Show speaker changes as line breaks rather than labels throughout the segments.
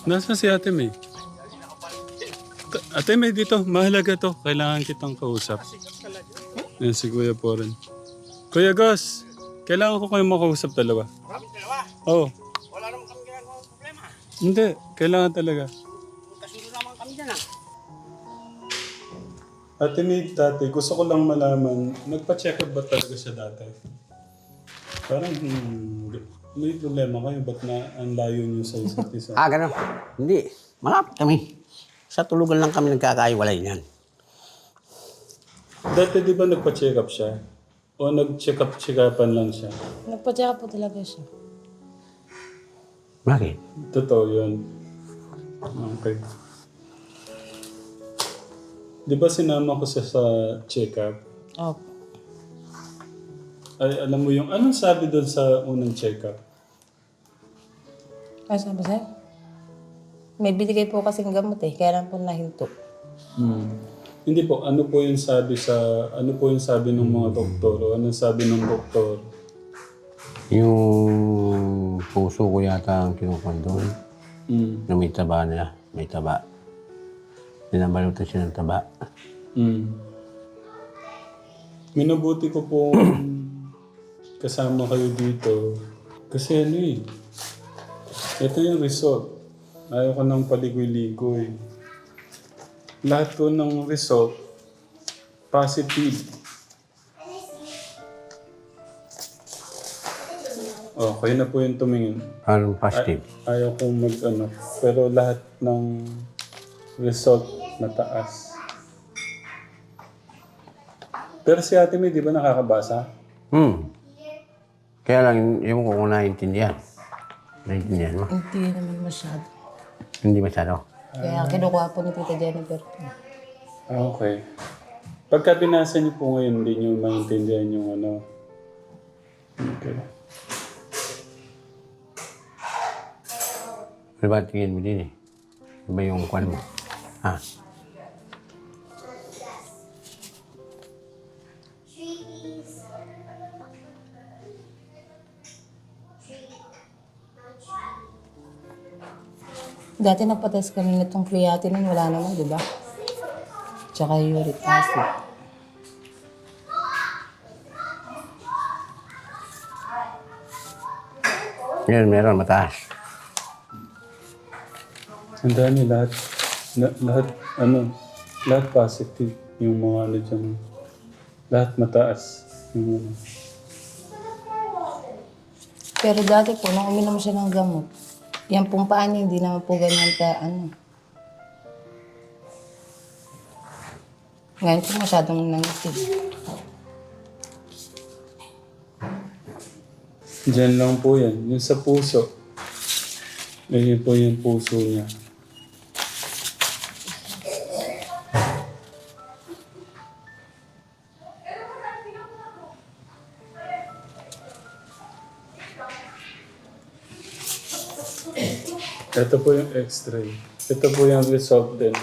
Nasaan si Ate May? Ate May dito, mahalaga to. Kailangan kitang kausap. Yan si Kuya po rin. Kuya Gus, kailangan ko kayong makausap dalawa.
Kami dalawa.
Oo.
Wala naman kami ginagawa problema.
Hindi, kailangan talaga.
Kasunod naman kami dyan ah.
Ate May, dati, gusto ko lang malaman, nagpa-check up ba talaga siya dati? Parang may problema kayo, ba't na ang layo niyo sa isa't isa?
Ganun. Hindi. Malapit kami. Sa tulugan lang kami nagkakaiwalay niyan.
Dati di ba nagpa-check up siya? O nag-check up-checkupan lang siya?
Nagpa-check up po talaga siya.
Bakit?
Totoo yun. Okay. Di ba sinama ko siya sa check-up?
Opo.
Ay, alam mo yung, anong sabi doon sa unang check-up?
Ano sabi sa'yo? May binigay po kasing gamot eh, kaya lang po nahinto.
Hindi po, ano po yung sabi ng mga doktor? O anong sabi ng doktor?
Yung puso ko yata ang kinukuha doon.
Mm.
Na may taba niya. May taba. Binabalutan siya ng taba.
Minabuti ko po kasama kayo dito. Kasi ano eh, ito yung result. Ayaw ko ng paligoy-ligoy. Lahat ko ng result, positive. Okay na po yung tumingin.
Anong positive?
Ayaw kong mag-ano. Pero lahat ng result mataas. Pero si Ate May, di ba nakakabasa?
Kaya lang, yung ko kung naiintindihan. Naiintindihan mo?
Hindi naman masyado.
Hindi masyado.
Kaya kinukuha po ni Tita Jennifer.
Okay. Pagka binasa niyo po ngayon, hindi niyo maintindihan yung ano. Okay.
Ano ba tingin mo din eh? Ano ba yung kwan mo? Ha?
Dati nagpa-test kami nitong creatinine, wala naman, di ba? Tsaka uric acid.
Ngayon, meron mataas.
Ang dami lahat, lahat positive. Yung mga ano dyan. Lahat mataas. Yung, ano.
Pero dati po, nung uminom siya ng gamot, yan pong paa niya, hindi naman po ganyan ka, ano. Ngayon po masyadong nangitig.
Diyan lang po yan. Yung sa puso. Ayun po yung puso niya. Ito po yung x-ray. Ito po yung result din.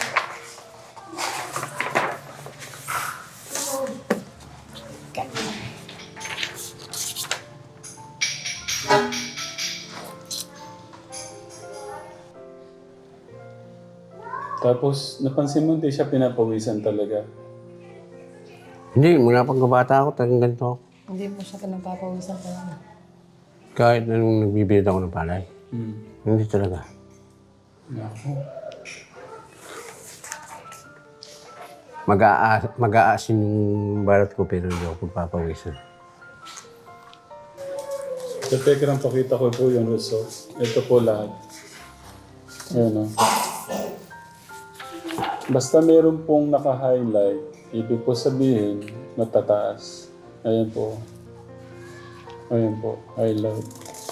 Tapos, napansin mo hindi siya pinapawisan talaga.
Hindi, mula pagkabata ako, talagang ganito ako.
Hindi po siya pinagpapawisan talaga.
Kahit anong nagbibigay ako ng palay. Hindi talaga.
Naku.
Mag-aasin yung balat ko pero hindi ako pagpapawisan.
Sa Telegram, pakita ko po yung result. Ito po lahat. Ayan o. Basta meron pong naka-highlight, ibig po sabihin, matataas. Ayan po. Ayan po, highlight.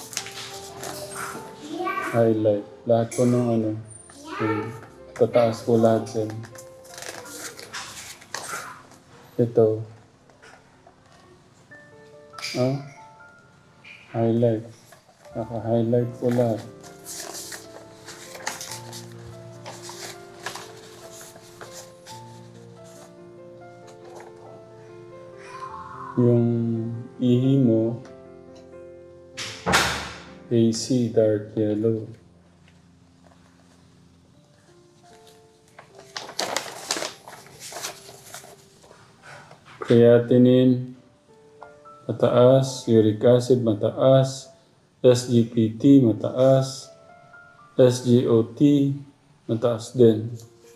Highlight. Lahat po ng ano, tataas po lahat yan. Ito. Highlight. Naka-highlight po lahat. Yung ihi mo, AC, dark yellow. Creatinine, mataas. Uric acid, mataas. SGPT, mataas. SGOT, mataas din.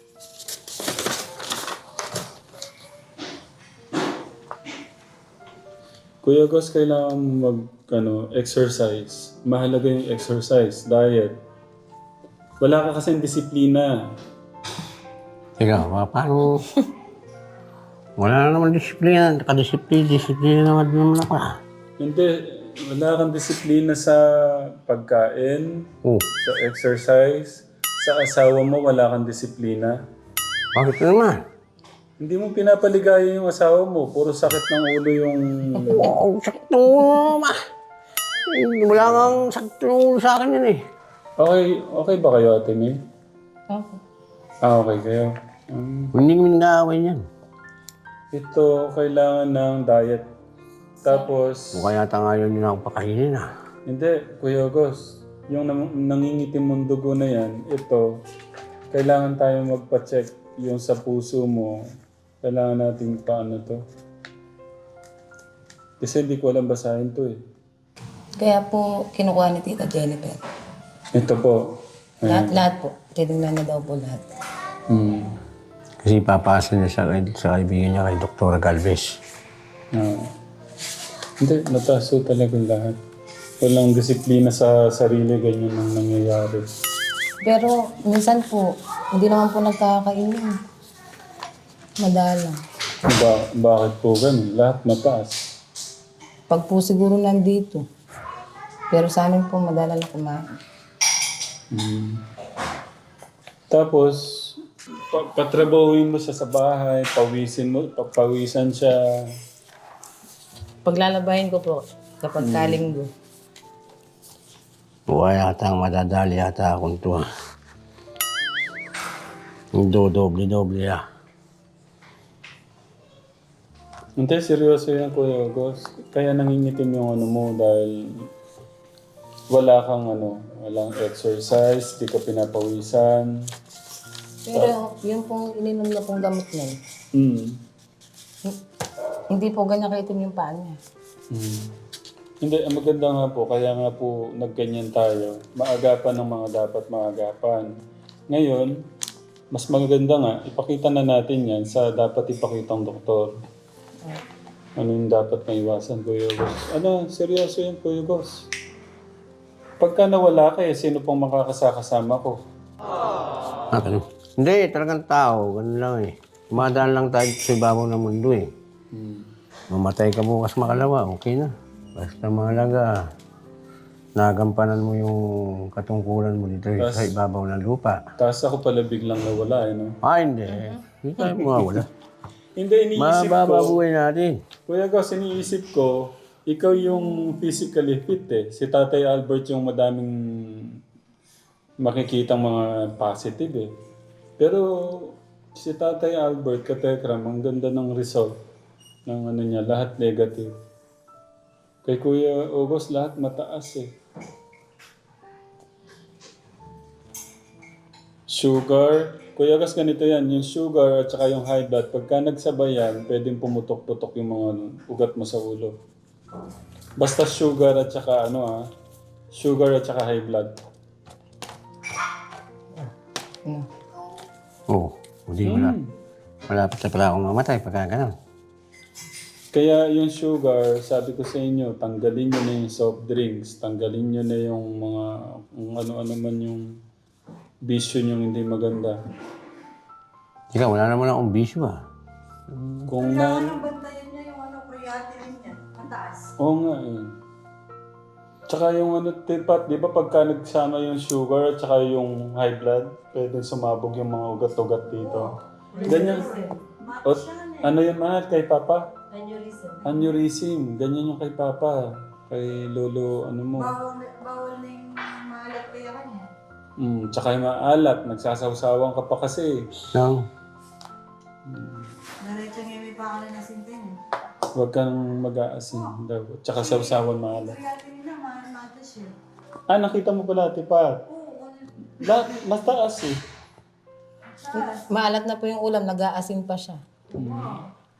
Kuya Gus, kailangan exercise. Mahalaga yung exercise, diet. Wala ka kasing disiplina.
Ikaw, paano? Wala na naman disiplina. Disiplina naman ako.
Hindi, wala kang disiplina sa pagkain,
Oh,
sa exercise. Sa asawa mo, wala kang disiplina.
bakit naman?
Hindi mo pinapaligaya yung asawa mo. Puro sakit ng ulo yung...
Oh, sakto ma. Wala kang sakto sa akin yun eh.
Okay ba kayo, Ate May?
Opo.
Okay kayo.
Hindi kami nag-aaway niyan.
Ito, kailangan ng diet. Tapos...
Mukha yata nga yun ako pakainin ah.
Hindi, Kuya Gus. Yung nangingitim mong dugo na yan, ito, kailangan tayo magpa-check yung sa puso mo. Kailangan natin paano to. Kasi hindi ko alam basahin to eh.
Kaya po, kinukuha ni Tita Jennifer.
Ito po.
Lahat po. Tinignan na daw po lahat.
Hmm.
Kasi ipapasa niya sa kaibigan niya kay Dr. Galvez.
Hindi, mataas po talaga lahat. Walang disiplina sa sarili, ganyan ang nangyayari.
Pero minsan po, hindi naman po nagkakainom. Madalang.
Bakit po ganun? Lahat mataas.
Pag po siguro nandito. Pero sa amin po, madalang na kumain.
Tapos, patrabahuin mo siya sa bahay, pawisan siya.
Paglalabahin ko po, kapag kalinggo.
Mukha yata ang madadali yata akong to ah. Doble-doble ah.
Hindi, seryoso yan, Kuya August. Kaya nangingitim yung ano mo dahil walang exercise, di ka pinapawisan.
Pero yung pong ininom niya pong gamot na yun, hindi po ganyan kaitim yung paa niya.
Hindi, ang maganda nga po, kaya nga po nagganyan tayo. Maagapan ng mga dapat maagapan. Ngayon, mas maganda nga, ipakita na natin yan sa dapat ipakitang doktor. Ano yung dapat maiwasan, Kuya Gus? Seryoso yan, Kuya Gus. Pagka nawala ka sino pong makakasama ko?
Ganun. Hindi, talagang tao. Ganun lang eh. Umadaan lang tayo sa ibabaw ng mundo eh. Mamatay ka bukas makalawa, okay na. Basta mahalaga, nagampanan mo yung katungkulan mo dito sa ibabaw ng lupa.
Tapos ako pala biglang nawala, no?
Hindi. Hindi tayo mawawala.
Hindi, iniisip ko.
Mabababuhay natin.
Kuya Gus, iniisip ko, ikaw yung physically fit eh. Si Tatay Albert yung madaming makikitang mga positive eh. Pero si Tatay Albert, katekram, ang ganda ng result ng niya, lahat negative. Kay Kuya August, lahat mataas eh. Sugar, Kuya Gus, ganito yan, yung sugar at saka yung high blood, pagka nagsabay yan, pwedeng pumutok-putok yung mga ugat mo sa ulo. Basta sugar at saka sugar at saka high blood.
Oo. Hindi wala. Malapit na pala akong mamatay pagka ganun.
Kaya yung sugar, sabi ko sa inyo, tanggalin nyo na yung soft drinks, tanggalin nyo na yung mga, kung ano-ano man yung bisyo nyo hindi maganda.
Ikaw, wala naman akong bisyo ah.
Kung
Kailangan bantayan niya yung creatinine niya. Mataas.
Oo nga eh. Tsaka yung tipat, di ba pagka nagsama yung sugar at saka yung high blood, pwede sumabog yung mga ugat-ugat dito. Ganyan. Ano yun mahal kay Papa? Aneurysm. Ganyan yung kay Papa. Kay Lolo,
Bawal na yung maalat kaya kanya.
Tsaka yung maalat. Nagsasawsawan ka pa kasi.
No.
Diretso nga may pangalan na sintin eh.
Huwag kang mag-aasin daw. Tsaka sawsawan maalat.
Creatinine naman, matas yun.
Nakita mo pala, Tipat.
Oo,
Mas taas eh.
Maalat na po yung ulam, nag-aasim pa siya.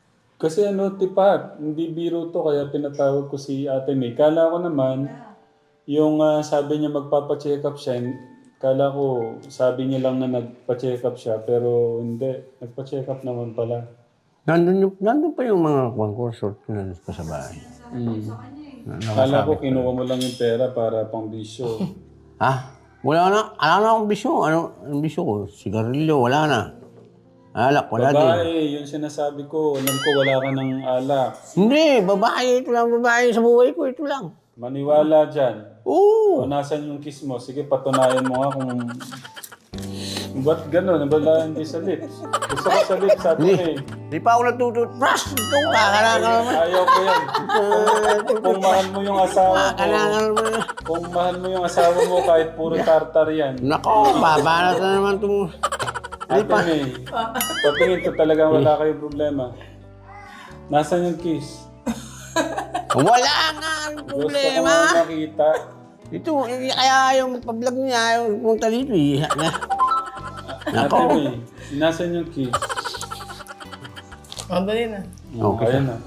Kasi ano, tipat, hindi biro to, kaya pinatawag ko si Ate May. Kala ko naman, yung sabi niya magpapa-check up siya, kala ko sabi niya lang na nagpa-check up siya, pero hindi, nagpa-check up naman pala.
Nandun pa yung mga concert na pa sa bahay.
Kala ko kinuha mo lang yung pera para pang bisyo.
Ha? Wala na akong bisyo. Anong bisyo ko? Sigarilyo, wala na. Alak, wala din.
Babae, yung sinasabi ko, alam ko wala ka ng alak.
Hindi, babae. Ito lang babae sa buhay ko. Ito lang.
Maniwala dyan.
Oo.
O nasan yung kiss mo? Sige, patunayan mo nga kung... Ba't gano'n? Wala hindi sa lips. Gusto ko sa lips, sabi ko eh.
Di pa ako natututbrush. Ito, kakalaka naman.
Ayaw ko yan. Kung mahal mo yung asawa mo,
Kakalaka naman.
kung mahal mo yung asawa mo kahit puro tartar yan.
Nako, babanat na naman itong...
Ate May, patingin ko talaga wala kayong problema. Nasaan yung kiss?
Wala nga ang
Gusto ko
problema.
nga makita.
Ito, kaya yung pa-vlog niya, ayaw pumunta dito eh.
Ate May, nasaan yung kiss?
Madali na.
Okay.
Ayan na.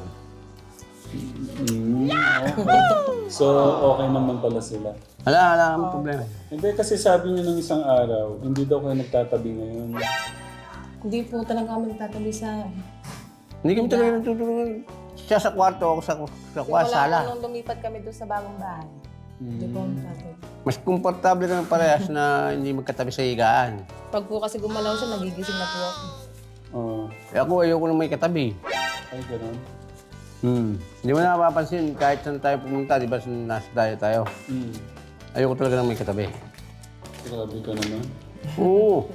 Okay. So, okay naman pala sila.
Wala kang problema.
Hindi kasi sabi niyo nung isang araw, hindi daw kayo nagtatabi ngayon.
Hindi po talaga kami nagtatabi sa...
Hindi kami talaga natutulungan. Siya sa kwarto, ako sa sala.
Nung lumipat kami doon sa bagong bahay. Hindi po kami nagtatabi.
Mas komportable kami parehas na hindi magkatabi sa higaan.
Pag po kasi gumalaw siya, nagigising na po ako.
Oo.
Eh ako, ayoko na may katabi.
Ay, ganun.
Hindi mo na mapapansin, kahit saan tayo pumunta, di ba nasa tayo. Ayoko talaga na may katabi.
Grabe ka naman.
Oo.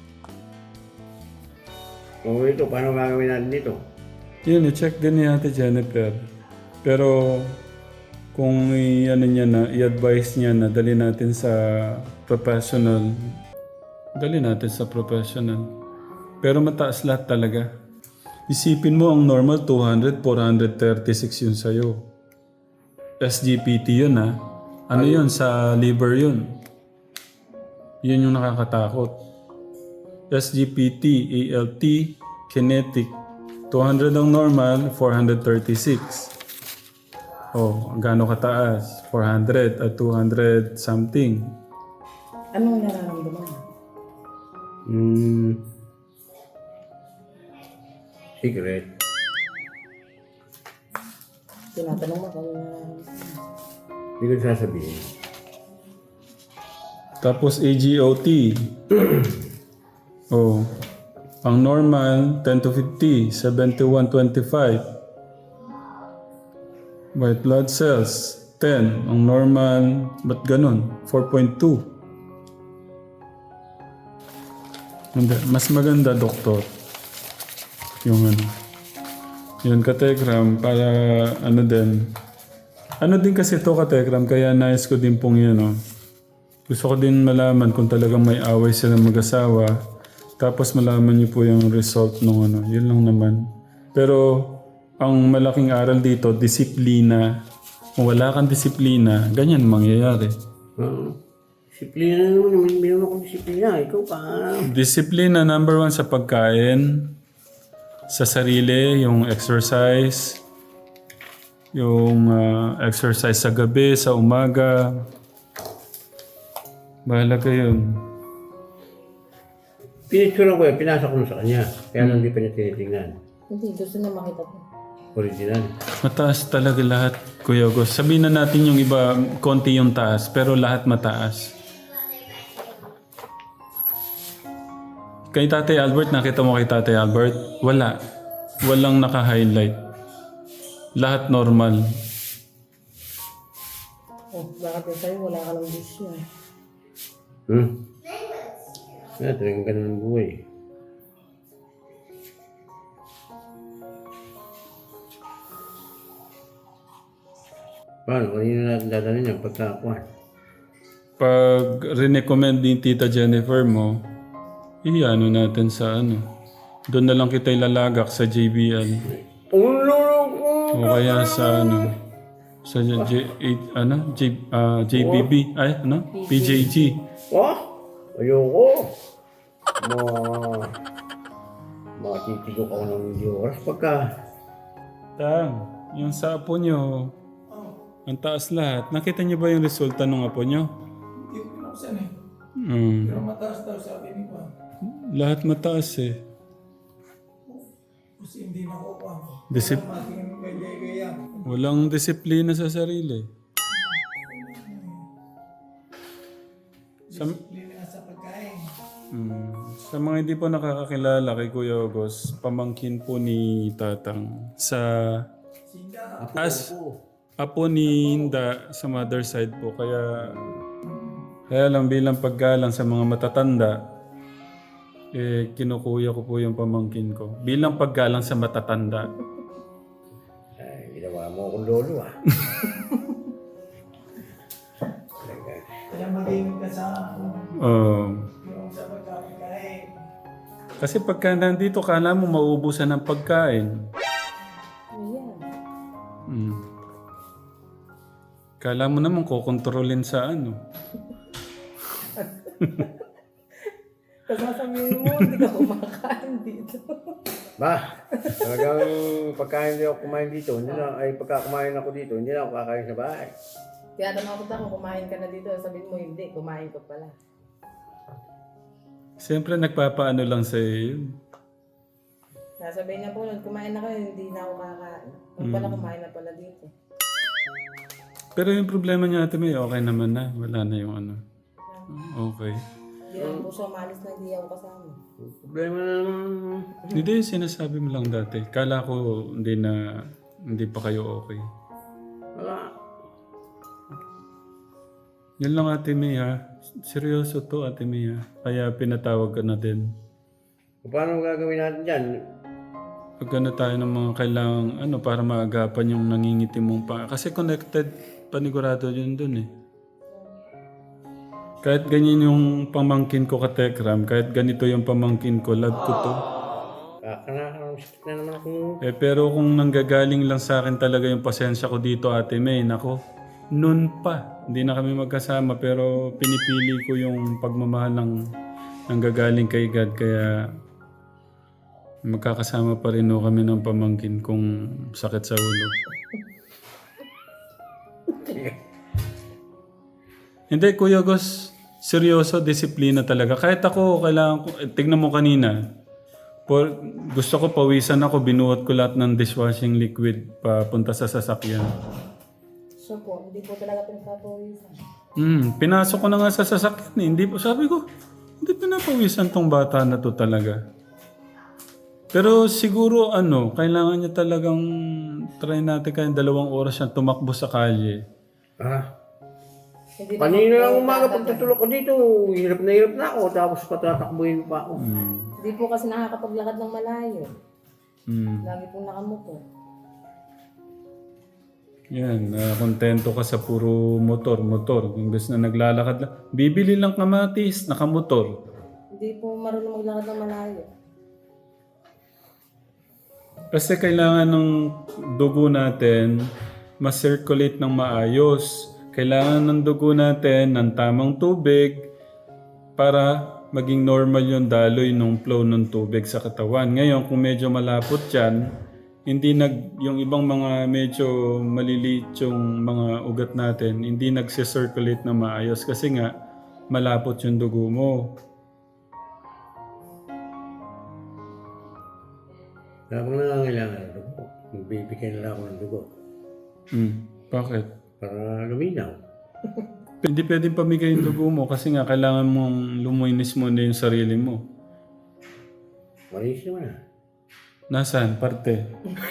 Oo, ito, paano gagawin natin dito?
Yun, i-check din ni Ate Jennifer. Pero kung i-advise niya na dali natin sa professional, dali natin sa professional. Pero mataas lahat talaga. Isipin mo ang normal 200, 436 yun sa'yo. SGPT yun ha. Ano yun? Sa liver yun. Yun yung nakakatakot. SGPT, ALT, kinetic. 200 ang normal, 436. Oh, gaano kataas? 400 at 200 something.
Anong nararamdaman mo?
Secret.
Tinatanong mo kung nararamdaman mo.
Hindi ko sasabihin.
Tapos AGOT. Oh. Ang normal, 10 to 50, 71.25. White blood cells, 10. Ang normal, ba't ganun? 4.2. Hindi. Mas maganda, doktor. Yung ano. Yun, kategram, para ano din. Ano din kasi ito, kategram, kaya nais ko din pong yun, no? Gusto ko din malaman kung talagang may away sila mag-asawa. Tapos malaman niyo po yung result ng ano. Yun lang naman. Pero ang malaking aral dito, disiplina. Kung wala kang disiplina, ganyan mangyayari.
Disiplina naman. Mayroon akong disiplina. Ikaw pa.
Disiplina, number 1 sa pagkain. Sa sarili, yung exercise. Yung exercise sa gabi, sa umaga. Bahala yun.
Pinitsura ko yan. Pinasa ko sa kanya. Kaya hindi pa niya tinitingnan.
Hindi, gusto niya makita ko.
Original.
Mataas talaga lahat, Kuya August. Sabihin na natin yung iba, konti yung taas, pero lahat mataas. Kay Tatay Albert, nakita mo kay Tatay Albert? Wala. Walang naka-highlight. Lahat normal.
Oh, bakit sa'yo wala ka lang bisyo eh.
Kaya talagang ganun ang buhay. Paano? Kanina natin dadalhin yung pagkakuhan?
Pag recommend ni Tita Jennifer mo, iano natin sa ano. Doon na lang kita ilalagak sa JBL. O kaya sa ano. Sa JBB. Ay, ano? PJG.
Ayoko. Matitigo ako ng hindi oras pagka
Tang, yung sa apo nyo, ang taas lahat. Nakita niyo ba yung resulta ng apo nyo?
Hindi ko pinuksan eh.
Hmm.
Pero mataas daw sabi ni Juan.
Lahat mataas eh.
Kasi hindi na ako Juan.
Disip-
Mating gaya-gaya.
Walang disiplina sa sarili. Sa,
Disiplina nga sa pagkain.
sa mga hindi po nakakakilala kay Kuya August, pamangkin po ni Tatang sa
Sinda.
apo ni Hinda sa mother side po. Kaya lang bilang paggalang sa mga matatanda, kinukuya ko po yung pamangkin ko. Bilang paggalang sa matatanda.
Ay, ginawa mo akong lolo ah.
Kaya maging ka sa yung sa pagkain.
Kasi pagka nandito, kala mo mauubusan ng pagkain.
Ayan.
Mm. Kala mo naman kukontrolin sa ano.
Tapos sasabihin mo, hindi ka kumakain dito.
Ba, talagang pagkain hindi ako kumain dito, hindi na, ay pagka kumain ako dito, hindi na ako kakain sa bahay.
Kaya tanong kita kung kumain ka na dito, sabihin mo hindi, kumain ka pala.
Siyempre nagpapaano lang sa iyo yun.
Sasabihin niya po nun, kumain na kayo, hindi na ako kakain. Pag pala kumain na pala dito.
Pero yung problema niya ate May, okay naman na. Wala na yung ano. Okay.
Hindi naman po siya umalis na hindi ako kasama.
Problema na naman.
Hindi, sinasabi mo lang dati. Kala ko hindi pa kayo okay.
Wala.
Yan lang ate May ha. Seryoso to ate May ha. Kaya pinatawag ka na din.
Paano gagawin natin dyan?
Pagkano tayo ng mga kailangang ano para maagapan yung nangingiti mong pa. Kasi connected panigurado yun dun eh. Kahit ganyan yung pamangkin ko ka Tekram, kahit ganito yung pamangkin ko, love ko to.
Sakit na naman ako.
Pero kung nanggagaling lang sa akin talaga yung pasensya ko dito ate May, nako, noon pa. Hindi na kami magkasama pero pinipili ko yung pagmamahal ng nanggagaling kay God kaya magkakasama pa rin ho kami ng pamangkin kung sakit sa ulo. Hindi, Kuya Gus, seryoso, disiplina talaga. Kahit ako, kailangan ko, tignan mo kanina, gusto ko pawisan ako, binuhat ko lahat ng dishwashing liquid papunta sa sasakyan.
So po, hindi po talaga pinagpapawisan.
Pinasok ko na nga sa sasakyan eh. Hindi po, sabi ko, hindi pinapawisan tong bata na to talaga. Pero siguro kailangan niya talagang try natin kaya 2 oras siyang tumakbo sa kalye.
Ah,
Hindi
kanina lang umaga pagtutulog ko dito, hirap na ako, tapos patatakbuhin pa ako.
Hindi po kasi nakakapaglakad ng malayo.
Mm.
Lagi po nakamupo.
Yan, kontento ka sa puro motor. Imbes na naglalakad lang. Bibili lang kamatis, nakamotor.
Hindi po marunong maglakad ng malayo.
Kasi kailangan ng dugo natin ma-circulate ng maayos. Kailangan ng dugo natin ng tamang tubig para maging normal yung daloy ng flow ng tubig sa katawan. Ngayon, kung medyo malapot yan, yung ibang mga medyo maliliit yung mga ugat natin, hindi nagsi-circulate na maayos kasi nga malapot yung dugo mo.
Habang nangangailangan ng dugo, magbibigay na lang ako ng dugo
Bakit?
para luminaw.
Hindi pwedeng pamigay yung dugo mo kasi nga kailangan mong lumuinis mo na yung sarili mo.
Malis naman ah.
Nasaan? Parte?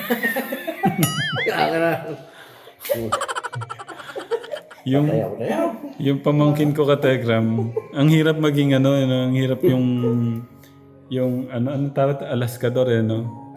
Yung pamangkin ko ka Telegram, ang hirap maging ang hirap yung ano tawag, alaskador no?